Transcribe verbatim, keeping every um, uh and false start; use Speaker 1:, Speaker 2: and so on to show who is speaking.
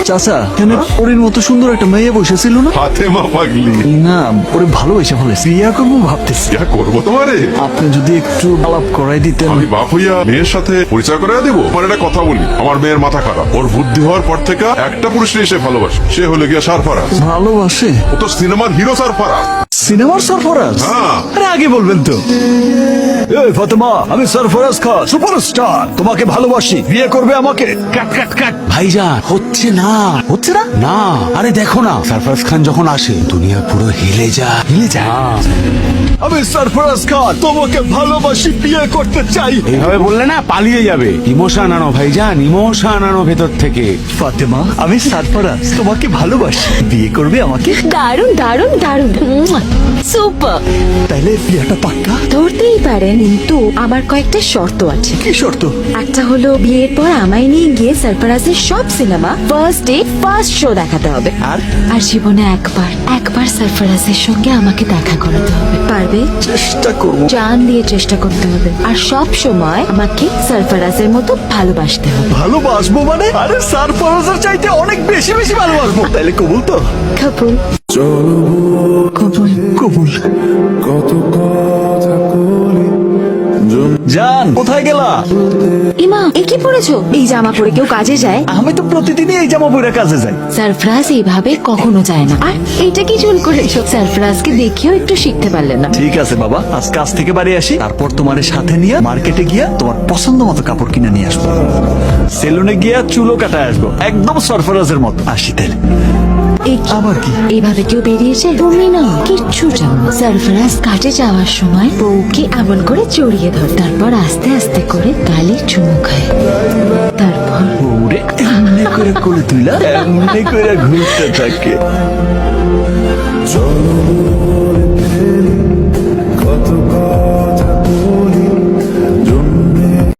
Speaker 1: চাচা এখানে ওরের মতো সুন্দর একটা মেয়ে বসেছিল না?
Speaker 2: ফাতেমা পাগলি।
Speaker 1: না, ওরে ভালোবেসে ফেলেছি, বিয়া করবো ভাবতেছি।
Speaker 2: ইয়া করবো তোমারে।
Speaker 1: আপনি যদি একটু আলাপ করাই দিতেন।
Speaker 2: আমি বাপ হইয়া মেয়ের সাথে পরিচয় করে দেবো। আমার একটা কথা বলি, আমার মেয়ের মাথা খারাপ। ওর বুদ্ধি হওয়ার পর থেকে একটা পুরুষকে সে ভালোবাসে, সে হলো গিয়া সারফারাজ।
Speaker 1: ভালোবাসে?
Speaker 2: ও তো সিনেমার হিরো সারফারাজ।
Speaker 1: সিনেমার সরফরাজ?
Speaker 2: হ্যাঁ।
Speaker 1: আরে আগে বলবেন তো। এই ফাতেমা, আমি সরফরাজ খান, সুপারস্টার, তোমাকে ভালোবাসি, বিয়ে করবে আমাকে?
Speaker 3: কাট কাট কাট ভাইজান, হচ্ছে না
Speaker 1: হচ্ছে না?
Speaker 3: না। আরে দেখো না, সরফরাজ খান যখন আসে দুনিয়া পুরো হিলে যায় হিলে যায়।
Speaker 1: আমি সরফরাজ খান, তোমাকে ভালোবাসি, বিয়ে করতে চাই।
Speaker 3: এইভাবে বললে না পালিয়ে যাবে। ইমোশন আনো ভাইজান, ইমোশন আনো ভেতর থেকে।
Speaker 1: ফাতেমা, আমি সরফরাজ, তোমাকে ভালোবাসি, বিয়ে করবে আমাকে?
Speaker 4: দারুণ দারুণ দারুণ, সুপার।
Speaker 1: তাইলে বিয়েটা পাক্কা?
Speaker 4: ধরতেই পারেন, কিন্তু আমার কয়েকটা শর্ত আছে।
Speaker 1: কি শর্ত?
Speaker 4: একটা হলো বিয়ের পর আমায় নিয়ে গিয়ে সরফরাজের সব cinema first day first show দেখাতে হবে।
Speaker 1: আর?
Speaker 4: আর জীবনে একবার একবার সরফরাজের সঙ্গে আমাকে দেখা করাতে হবে। পারবে?
Speaker 1: চেষ্টা করবো।
Speaker 4: জান দিয়ে চেষ্টা করতে হবে। আর সব সময় আমাকে সরফরাজের মতো ভালোবাসতে হবে।
Speaker 1: ভালোবাসবো মানে? আরে সরফরাজের চাইতে অনেক বেশি বেশি ভালোবাসবো। তাইলে কবুল তো?
Speaker 4: কবুল। কবুল।
Speaker 1: কবুল। জান, কোথায় গেলা?
Speaker 4: ইমা, এ কি পড়েছো? এই জামা পরে কেউ কাজে যায়?
Speaker 1: আমি তো প্রতিদিনই এই জামা পরে কাজে যাই।
Speaker 4: সরফরাজ এইভাবে কখনো যায় না। আর এইটা কি চুল করেছো? সরফরাজকে দেখেও একটু শিখতে পারলে না।
Speaker 1: ঠিক আছে বাবা, আজ কাজ থেকে বাড়ি আসি, তারপর তোমার সাথে নিয়ে মার্কেটে গিয়া তোমার পছন্দ মতো কাপড় কিনে নিয়ে আসবো। সেলুনে গিয়া চুলও কাটায় আসবো, একদম সরফরাজের মতো। আসি তাহলে।
Speaker 4: এই কি?
Speaker 1: আবার কি?
Speaker 4: এইভাবে কেউ বেরিয়েছে? তুমি না কিচ্ছু জানো না। সরফরাজ কাটে যাওয়ার সময় বউকে এমন করে জড়িয়ে ধর, তারপর আস্তে আস্তে করে গালে চুমু খায়, তারপর
Speaker 1: ওরে এমনি করে করে তুইলা এমনি করে ঘুরতে থাকে।
Speaker 5: চলো